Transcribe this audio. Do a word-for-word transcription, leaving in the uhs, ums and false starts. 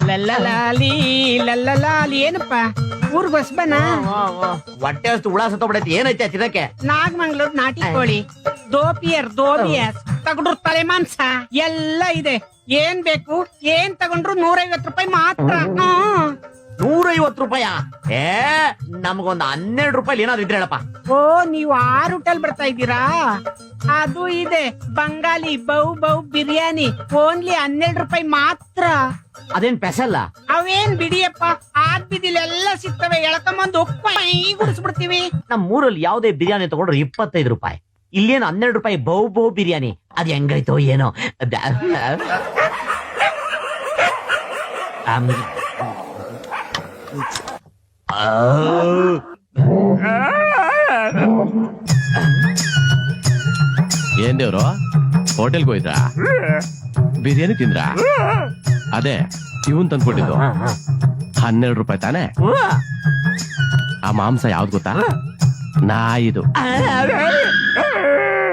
ಲಲ್ಲಲಾಲಿ ಲಲ್ಲಲಾಲಿ ಏನಪ್ಪ ಊರ್ ಬಸ್ ಬನ ಹೊಟ್ಟೆ ಅಷ್ಟು ಹುಳ ಸತ್ತೋಗ್ಬಿಡೈತಿ ಏನೈತೆ ತಿನ್ನಕ್ಕೆ ನಾಗಮಂಗ್ಳೂರ್ ನಾಟಿ ಕೋಳಿ ದೋಪಿಯರ್ ದೋಬಿಯಸ್ ತಗೊಂಡ್ರು ತಲೆ ಮಾಂಸ ಎಲ್ಲ ಇದೆ ಏನ್ ಬೇಕು ಏನ್ ತಗೊಂಡ್ರು ನೂರೈವತ್ತು ರೂಪಾಯಿ ಮಾತ್ರ ಹ್ಮ್. ನೂರೈವತ್ತು ರೂಪಾಯ ಏ ನಮ್ಗೊಂದ್ ಹನ್ನೆರಡು ರೂಪಾಯಿ ಏನಾದ್ರು ಇದ್ರೆ ಹೇಳಪ್ಪ. ಓ ನೀವು ಆರು ಹೋಟೆಲ್ ಬರ್ತಾ ಇದ್ದೀರಾ ಅದು ಇದೆ Bengali bow bow biryani only ಹನ್ನೆರಡು ರೂಪಾಯಿ ಮಾತ್ರ. ಅದೇನ್ ಪೆಸಲ್ಲ ಅವೇನ್ ಬಿಡಿಯಪ್ಪ ಆದ್ ಬಿದಿಲೆಲ್ಲ ಸಿಗ್ತವೆ ಎಳ್ಕೊಂಬಂದು ಉಪ್ಪೈ ಗುಡಿಸ್ಬಿಡ್ತೀವಿ. ನಮ್ ಊರಲ್ಲಿ ಯಾವ್ದೇ ಬಿರಿಯಾನಿ ತಗೊಂಡ್ರೆ ಇಪ್ಪತ್ತೈದು ರೂಪಾಯಿ ಇಲ್ಲೇನು ಹನ್ನೆರಡು ರೂಪಾಯಿ ಬೌ ಬೌ ಬಿರಿಯಾನಿ ಅದ್ ಹೆಂಗೈತೋ ಏನೋ. ಆಮ್. ಏನ್ ದೇವ್ರು ಹೋಟೆಲ್ಗೆ ಹೋಯ್ತಾ ಬಿರಿಯಾನಿ ತಿಂದ್ರ ಅದೇ ಇವನ್ ತಂದ್ಕೊಟ್ಟಿದ್ದು ಹನ್ನೆರಡು ರೂಪಾಯಿ ತಾನೆ. ಆ ಮಾಂಸ ಯಾವ್ದು ಗೊತ್ತಾ ನಾಯಿದು.